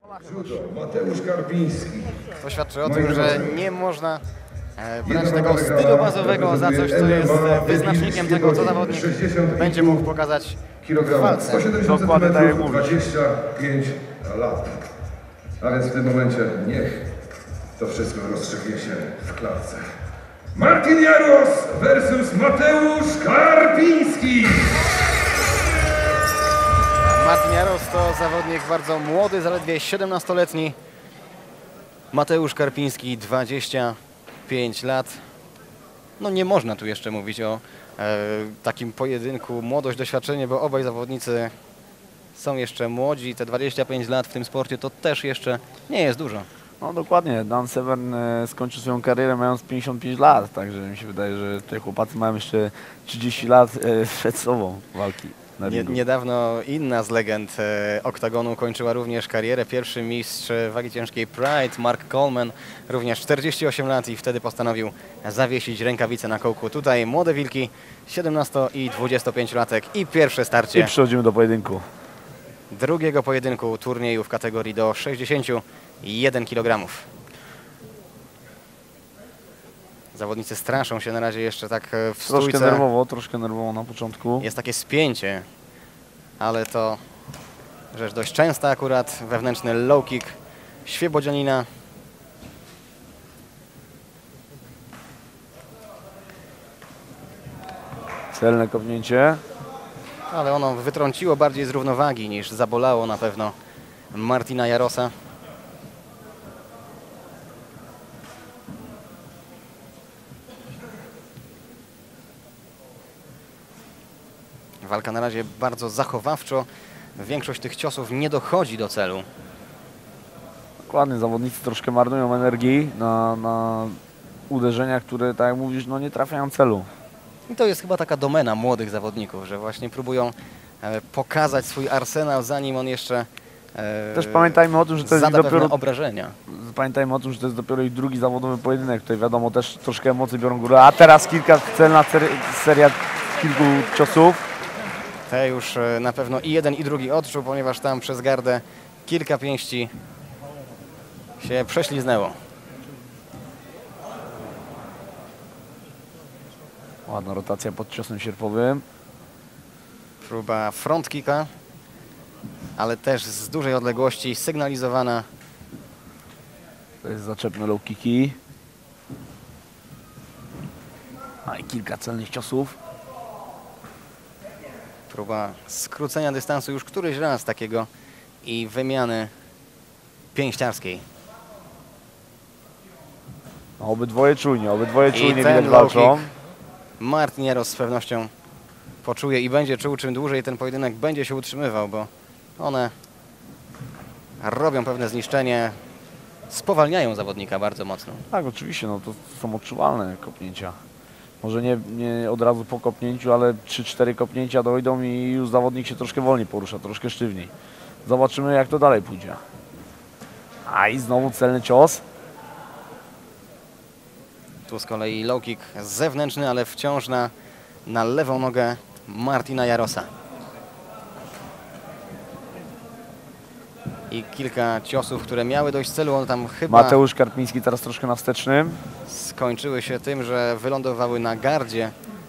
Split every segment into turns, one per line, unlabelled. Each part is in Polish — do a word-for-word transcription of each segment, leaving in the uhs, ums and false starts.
Judo, Mateusz Karpiński.
To świadczy o tym, że nie można brać tego stylu bazowego za coś, co jest wyznacznikiem tego, co zawodnik będzie mógł pokazać w walce.
sto siedemdziesiąt centymetrów, dwadzieścia pięć lat. A więc w tym momencie niech to wszystko rozstrzygnie się w klatce. Martin Jaros versus Mateusz Karpiński.
Martin Jaros to zawodnik bardzo młody, zaledwie siedemnastoletni. Mateusz Karpiński, dwadzieścia pięć lat. No nie można tu jeszcze mówić o e, takim pojedynku młodość, doświadczenie, bo obaj zawodnicy są jeszcze młodzi. Te dwadzieścia pięć lat w tym sporcie to też jeszcze nie jest dużo.
No dokładnie, Dan Severn e, skończył swoją karierę mając pięćdziesiąt pięć lat, także mi się wydaje, że te chłopacy mają jeszcze trzydzieści lat e, przed sobą walki.
Nie, niedawno inna z legend e, oktagonu kończyła również karierę. Pierwszy mistrz wagi ciężkiej Pride, Mark Coleman, również czterdzieści osiem lat i wtedy postanowił zawiesić rękawice na kołku. Tutaj młode wilki, siedemnasto i dwudziestopięciolatek i pierwsze starcie.
I przechodzimy do pojedynku.
Drugiego pojedynku turnieju w kategorii do sześćdziesięciu jeden kilogramów. Zawodnicy straszą się na razie jeszcze tak w stójce.
Troszkę nerwowo, troszkę nerwowo na początku.
Jest takie spięcie, ale to rzecz dość częsta akurat. Wewnętrzny low kick Świebodzianina.
Celne kopnięcie.
Ale ono wytrąciło bardziej z równowagi niż zabolało na pewno Martina Jarosa. Walka na razie bardzo zachowawczo. Większość tych ciosów nie dochodzi do celu.
Dokładnie, zawodnicy troszkę marnują energii na, na uderzenia, które, tak jak mówisz, no nie trafiają celu.
I to jest chyba taka domena młodych zawodników, że właśnie próbują e, pokazać swój arsenał, zanim on jeszcze e,
Też pamiętajmy o tym, że to jest dopiero
obrażenia.
Pamiętajmy o tym, że to jest dopiero ich drugi zawodowy pojedynek. Tutaj wiadomo, też troszkę emocje biorą górę. A teraz kilka celna ser seria kilku ciosów.
Te już e, na pewno i jeden i drugi odczuł, ponieważ tam przez gardę kilka pięści się prześliznęło.
Ładna rotacja pod ciosem sierpowym.
Próba front kicka, ale też z dużej odległości sygnalizowana.
To jest zaczepne low kicki. A i kilka celnych ciosów.
Próba skrócenia dystansu już któryś raz takiego i wymiany pięściarskiej.
No, obydwoje czujnie, obydwoje czujnie widać
low
walczą.
kick Martin Jaros z pewnością poczuje i będzie czuł, czym dłużej ten pojedynek będzie się utrzymywał, bo one robią pewne zniszczenie, spowalniają zawodnika bardzo mocno.
Tak, oczywiście, no to są odczuwalne kopnięcia. Może nie, nie od razu po kopnięciu, ale trzy cztery kopnięcia dojdą i już zawodnik się troszkę wolniej porusza, troszkę sztywniej. Zobaczymy, jak to dalej pójdzie. A i znowu celny cios.
Tu z kolei low kick zewnętrzny, ale wciąż na, na lewą nogę Martina Jarosa. I kilka ciosów, które miały dojść celu, on tam chyba...
Mateusz Karpiński teraz troszkę na wstecznym.
Skończyły się tym, że wylądowały na gardzie.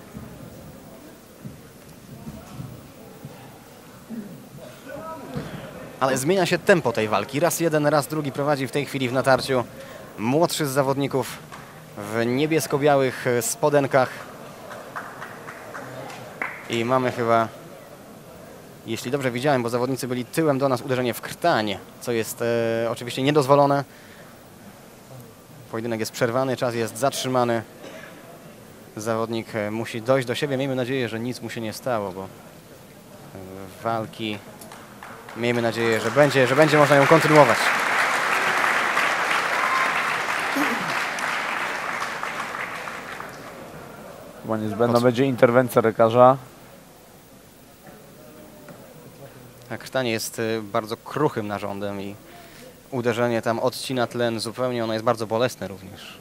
Ale zmienia się tempo tej walki. Raz jeden, raz drugi prowadzi w tej chwili w natarciu młodszy z zawodników w niebiesko-białych spodenkach. I mamy chyba, jeśli dobrze widziałem, bo zawodnicy byli tyłem do nas, uderzenie w krtań, co jest e, oczywiście niedozwolone. Pojedynek jest przerwany, czas jest zatrzymany. Zawodnik musi dojść do siebie. Miejmy nadzieję, że nic mu się nie stało, bo walki, miejmy nadzieję, że będzie, że będzie można ją kontynuować.
Chyba niezbędna będzie interwencja lekarza.
Krtanie jest bardzo kruchym narządem i uderzenie tam odcina tlen zupełnie. Ono jest bardzo bolesne również.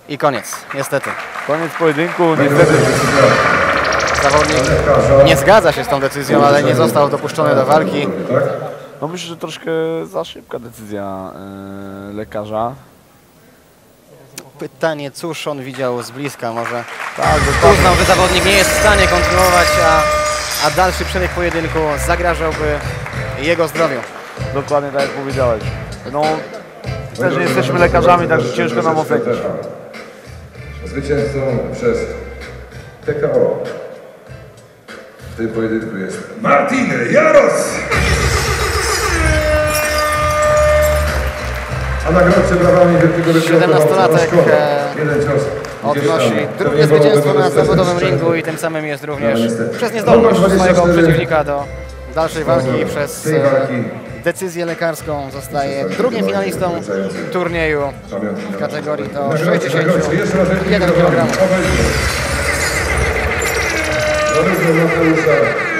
I koniec, niestety.
Koniec pojedynku,
Będzie
niestety.
decyzja
Zawodnik
lekarza.
nie zgadza się z tą decyzją, ale nie został dopuszczony do walki.
Tak?
No myślę, że troszkę za szybka decyzja e, lekarza.
Pytanie, cóż on widział z bliska, może
Tak, dokładnie.
uznał, że zawodnik nie jest w stanie kontynuować, a, a dalszy przebieg pojedynku zagrażałby jego zdrowiu.
Dokładnie tak jak powiedziałeś. No, też nie jesteśmy lekarzami, także ciężko nam ocenić.
Zwycięzcą przez T K O w tym pojedynku jest Martin Jaros! A nagrodę brawami wielkiego
siedemnastolatek, e,
jeden cios.
Odnosi drugie zwycięstwo na zawodowym ringu i tym samym jest również przez niezdolność swojego przeciwnika do dalszej walki przez
tej walki
e, decyzję lekarską zostaje drugim finalistą turnieju w kategorii do sześćdziesiąt jeden kilogramów.
Zarówno Mateusza